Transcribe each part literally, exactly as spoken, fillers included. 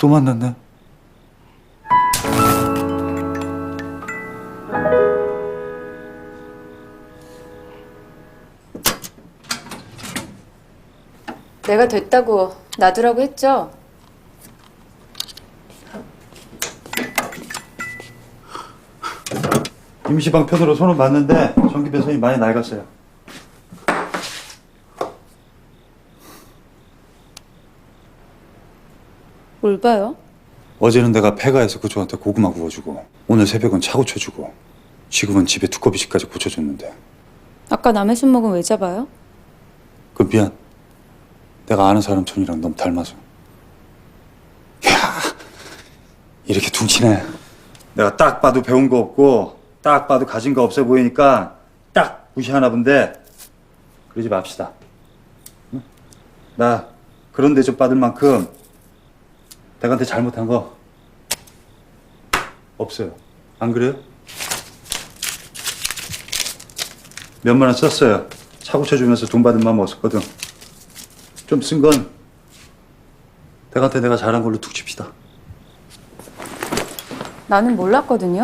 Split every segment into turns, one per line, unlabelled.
또 만났네.
내가 됐다고 놔두라고 했죠?
임시방편으로 손을 봤는데 전기 배선이 많이 낡았어요.
뭘 봐요?
어제는 내가 폐가에서 그쪽한테 고구마 구워주고 오늘 새벽은 차 고쳐주고 지금은 집에 두꺼비씨까지 고쳐줬는데
아까 남의 손목은 왜 잡아요?
그 미안. 내가 아는 사람 손이랑 너무 닮아서. 야, 이렇게 둥치네. 내가 딱 봐도 배운 거 없고 딱 봐도 가진 거 없어 보이니까 딱 무시하나 본데 그러지 맙시다. 응? 나 그런 대접 받을 만큼 내한테 잘못한 거 없어요. 안 그래요? 몇만 원 썼어요. 차 고쳐주면서 돈 받은 마음 없었거든. 좀 쓴 건 내한테 내가 잘한 걸로 툭 칩시다.
나는 몰랐거든요.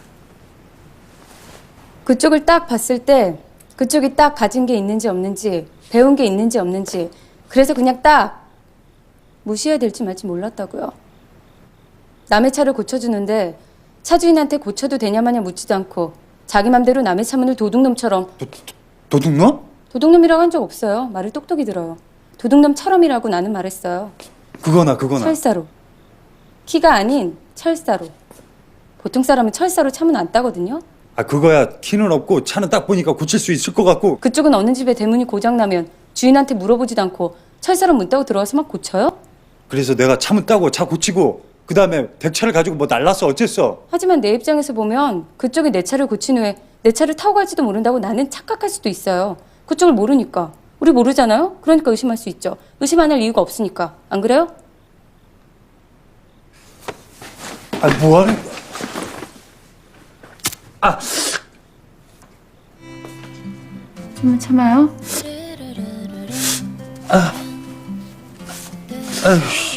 그쪽을 딱 봤을 때 그쪽이 딱 가진 게 있는지 없는지 배운 게 있는지 없는지 그래서 그냥 딱 무시해야 될지 말지 몰랐다고요. 남의 차를 고쳐주는데 차주인한테 고쳐도 되냐 마냐 묻지도 않고 자기 맘대로 남의 차 문을 도둑놈처럼
도, 도, 도둑놈?
도둑놈이라고 한 적 없어요. 말을 똑똑히 들어요. 도둑놈처럼이라고 나는 말했어요.
그거나 그거나.
철사로. 키가 아닌 철사로. 보통 사람은 철사로 차문 안 따거든요.
아 그거야 키는 없고 차는 딱 보니까 고칠 수 있을 것 같고.
그쪽은 어느 집에 대문이 고장나면 주인한테 물어보지도 않고 철사로 문 따고 들어와서 막 고쳐요?
그래서 내가 차문 따고 차 고치고 그 다음에 백차를 가지고 뭐 날랐어 어쨌어.
하지만 내 입장에서 보면 그쪽이 내 차를 고친 후에 내 차를 타고 갈지도 모른다고 나는 착각할 수도 있어요. 그쪽을 모르니까. 우리 모르잖아요? 그러니까 의심할 수 있죠. 의심 안 할 이유가 없으니까. 안 그래요?
아 뭐하는 거야. 아
좀만 참아요.
아유.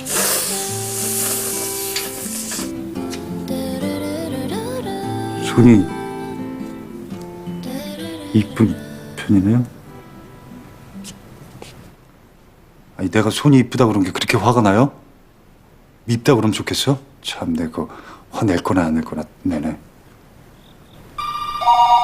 손이 이쁜 편이네요. 아니 내가 손이 이쁘다 그런 게 그렇게 화가 나요? 밉다 그러면 좋겠어? 참 내가 화낼 거나 안 낼 거나 내네.